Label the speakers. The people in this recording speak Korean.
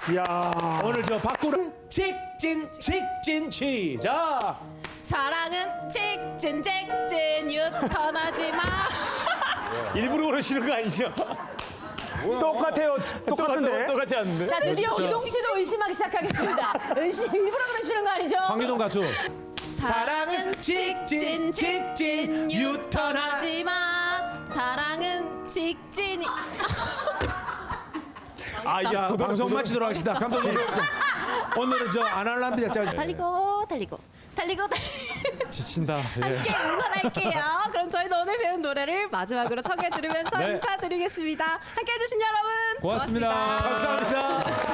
Speaker 1: 이야.
Speaker 2: 오늘 저 밖으로 직진 시작.
Speaker 3: 사랑은 직진 유턴하지 마.
Speaker 2: 일부러 그러시는 거 아니죠?
Speaker 1: 똑같아요. 똑같은데.
Speaker 2: 똑같지 않는데?
Speaker 4: 자, 드디어 기동 씨도 의심하기 시작하겠습니다. 일부러 그러시는 거 아니죠?
Speaker 2: 황유동 가수.
Speaker 3: 사랑은 직진 유턴하지 마. 사랑은 직진이.
Speaker 2: 아 이제 방송 마치도록 하겠습니다. 감독님. 오늘은 저 안 할랍니다.
Speaker 3: 달리고
Speaker 2: 지친다.
Speaker 3: 함께 응원할게요. 그럼 저희도 오늘 배운 노래를 마지막으로 청해 들으면서
Speaker 2: 네.
Speaker 3: 인사드리겠습니다. 함께 해주신 여러분
Speaker 2: 고맙습니다.
Speaker 3: 고맙습니다.
Speaker 2: 감사합니다.